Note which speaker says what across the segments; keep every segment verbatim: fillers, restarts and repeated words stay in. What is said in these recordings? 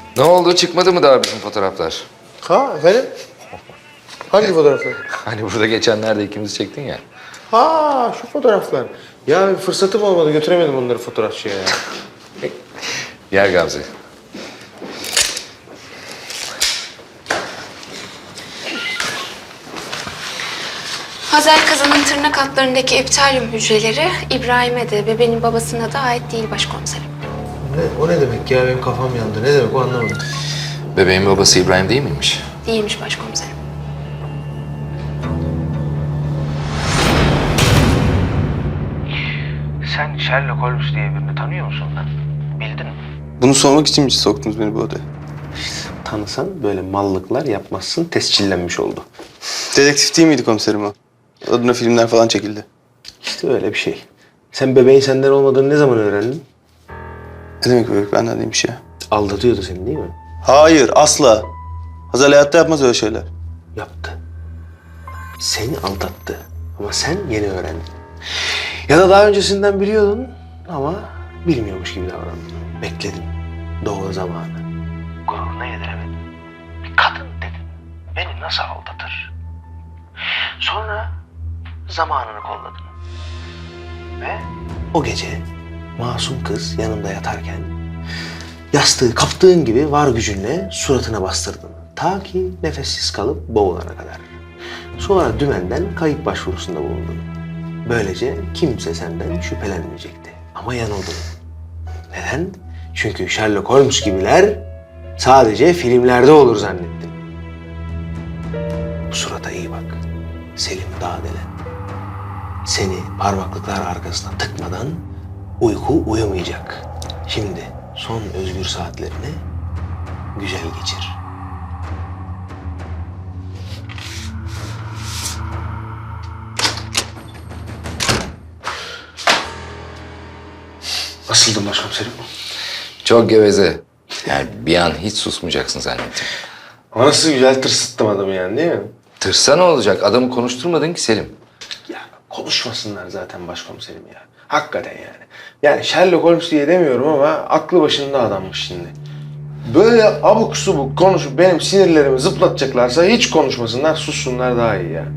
Speaker 1: Ne oldu? Çıkmadı mı daha bizim fotoğraflar?
Speaker 2: Ha efendim? Hangi fotoğraflar?
Speaker 1: Hani burada geçenlerde ikimiz çektin ya.
Speaker 2: Ha şu fotoğraflar. Ya fırsatım olmadı götüremedim onları fotoğrafçıya ya.
Speaker 1: Gel Gamze.
Speaker 3: Hazel kızının tırnak altlarındaki epitalyum hücreleri İbrahim'e de bebeğin babasına da ait değil başkomiserim.
Speaker 2: Ne, o ne demek ya? Benim kafam yandı. Ne demek o anlamadım.
Speaker 1: Bebeğin babası İbrahim değil miymiş?
Speaker 3: Değilmiş başkomiserim.
Speaker 4: Sen Sherlock Holmes diye birini tanıyor musun lan? Bildin mi?
Speaker 5: Bunu sormak için mi soktunuz beni bu odaya?
Speaker 2: Tanısan böyle mallıklar yapmazsın, tescillenmiş oldu.
Speaker 5: Dedektif değil miydi komiserim o? Adına filmler falan çekildi.
Speaker 2: İşte öyle bir şey. Sen bebeğin senden olmadığını ne zaman öğrendin?
Speaker 5: Ne demek bebek benden değilmiş ya?
Speaker 2: Aldatıyordu seni değil mi?
Speaker 5: Hayır, asla. Hazal hayatta yapmaz öyle şeyler.
Speaker 2: Yaptı. Seni aldattı. Ama sen yeni öğrendin. Ya da daha öncesinden biliyordun ama bilmiyormuş gibi davrandın. Bekledin. Doğru zamanı.
Speaker 4: Gururuna yediremedin. Bir kadın dedin. Beni nasıl aldatır? Sonra zamanını kolladın. Ve
Speaker 2: O gece masum kız yanında yatarken yastığı kaptığın gibi var gücünle suratına bastırdın. Ta ki nefessiz kalıp boğulana kadar. Sonra dümenden kayıp başvurusunda bulundun. Böylece kimse senden şüphelenmeyecekti. Ama yanıldın. Neden? Çünkü Sherlock Holmes gibiler sadece filmlerde olur zannettin. Bu surata iyi bak. Selim Dağdelen. Seni parmaklıklar arkasına tıkmadan uyku uyumayacak. Şimdi son özgür saatlerini güzel geçir. Nasıldım başkomiserim?
Speaker 1: Çok geveze. Yani bir an hiç susmayacaksın zannettim.
Speaker 2: Ama nasıl güzel tırsıttım adamı yani değil mi?
Speaker 1: Tırsa ne olacak? Adamı konuşturmadın ki Selim.
Speaker 2: Ya konuşmasınlar zaten başkomiserim ya. Hakikaten yani. Yani Sherlock Holmes diye demiyorum ama aklı başında adammış şimdi. Böyle abuk subuk konuşup benim sinirlerimi zıplatacaklarsa hiç konuşmasınlar, sussunlar daha iyi ya.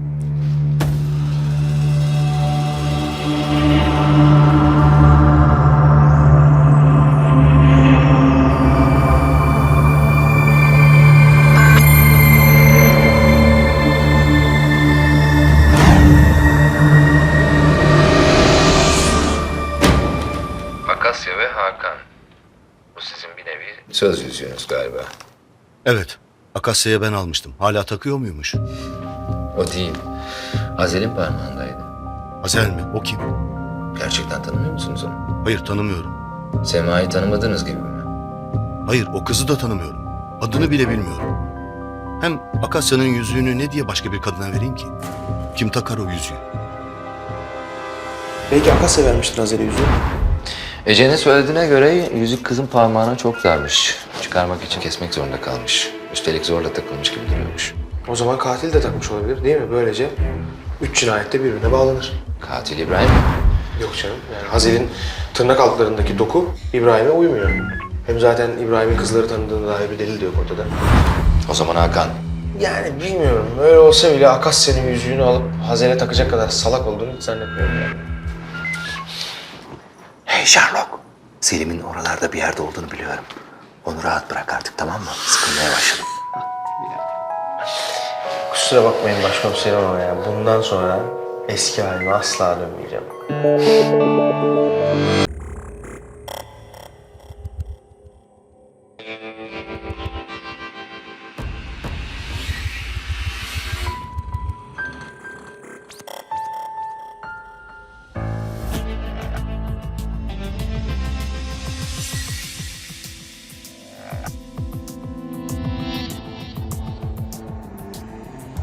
Speaker 1: Akasya ve Hakan. Bu sizin bir nevi söz yüzüğünüz galiba.
Speaker 6: Evet. Akasya'ya ben almıştım. Hala takıyor muymuş?
Speaker 1: O değil. Hazel'in parmağındaydı.
Speaker 6: Hazel mi? O kim?
Speaker 1: Gerçekten tanımıyor musunuz onu?
Speaker 6: Hayır, tanımıyorum.
Speaker 1: Sema'yı tanımadığınız gibi mi?
Speaker 6: Hayır, o kızı da tanımıyorum. Adını bile bilmiyorum. Hem Akasya'nın yüzüğünü ne diye başka bir kadına vereyim ki? Kim takar o yüzüğü?
Speaker 2: Belki Akasya vermiştir Hazel'e yüzüğü.
Speaker 1: Ece'nin söylediğine göre yüzük kızın parmağına çok darmış. Çıkarmak için kesmek zorunda kalmış. Üstelik zorla takılmış gibi duruyormuş.
Speaker 2: O zaman katil de takmış olabilir değil mi? Böylece üç cinayet de birbirine bağlanır.
Speaker 1: Katil İbrahim mi?
Speaker 2: Yok canım. Yani Hazel'in tırnak altlarındaki doku İbrahim'e uymuyor. Hem zaten İbrahim'in kızları tanıdığına dair bir delil de yok ortada.
Speaker 1: O zaman Hakan.
Speaker 2: Yani bilmiyorum. Öyle olsa bile Akasya'nın yüzüğünü alıp Hazel'e takacak kadar salak olduğunu hiç zannetmiyorum yani.
Speaker 4: hey Sherlock. Selim'in oralarda bir yerde olduğunu biliyorum. Onu rahat bırak artık, tamam mı? Sıkılmaya başladım.
Speaker 2: Kusura bakmayın başkomiserim ama ya bundan sonra eski halime asla dönmeyeceğim.